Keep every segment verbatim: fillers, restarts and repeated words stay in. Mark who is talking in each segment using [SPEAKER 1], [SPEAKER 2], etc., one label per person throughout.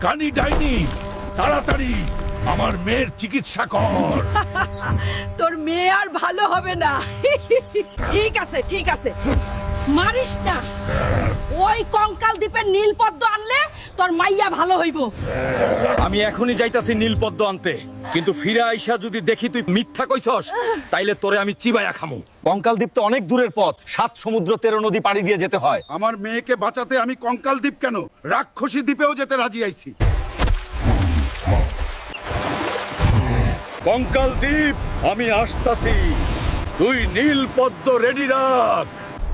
[SPEAKER 1] কানি ডাইনি, তাড়াতাড়ি আমার মেয়ের চিকিৎসা কর।
[SPEAKER 2] তোর মেয়ে আর ভালো হবে না। ঠিক আছে ঠিক আছে, মারিস না। ওই কঙ্কাল দ্বীপের নীলপদ্ম আনলে তোর মাইয়া ভালো হইব।
[SPEAKER 3] আমি এখনই যাইতাছি নীলপদ্ম আনতে, কিন্তু ফিরে আইসা যদি দেখি তুই মিথ্যা কইছস তাইলে তোরে আমি চিবাইয়া খামু। কঙ্কাল দ্বীপ তো অনেক দূরের পথ, সাত সমুদ্র তেরো নদী পাড়ি দিয়ে যেতে হয়।
[SPEAKER 1] আমার মেয়েকে বাঁচাতে আমি কঙ্কাল দ্বীপ কেন, রাক্ষসী দ্বীপেও যেতে রাজি আইছি। কঙ্কাল দ্বীপ, আমি আসতাছি, তুই নীলপদ্ম রেডি রাখ।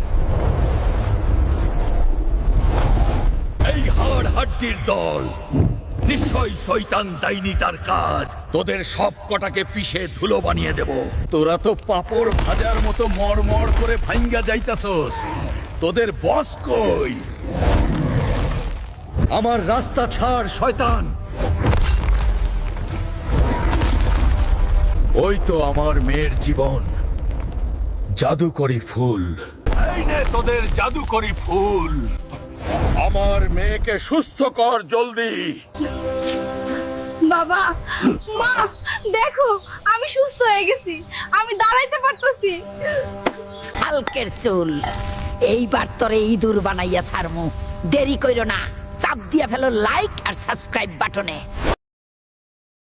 [SPEAKER 1] এই হাড় হাড্ডির দল নিশ্চয়ই শয়তান ডাইনি তার কাজ। তোদের সব কটাকে পিষে ধুলো বানিয়ে দেব। তোরা তো পাপড় ভাজার মতো মড়মড় করে ভাঙ্গা যাইতাছস, তোদের বস কই? আমার রাস্তা ছাড় শয়তান। ওই তো আমার মেয়ের জীবন, জাদুকরি ফুল। এই নে তোদের জাদুকরি ফুল, আমার মেয়েকে সুস্থ কর জলদি।
[SPEAKER 4] বাবা, মা, দেখো আমি সুস্থ হয়ে গেছি, আমি দাঁড়াইতে পারতেছি।
[SPEAKER 2] হালকের চুল, এইবার তোরে ইঁদুর বানাইয়া ছাড়মু। দেরি কইরো না, চাপ দিয়া ফেলো লাইক আর সাবস্ক্রাইব বাটনে।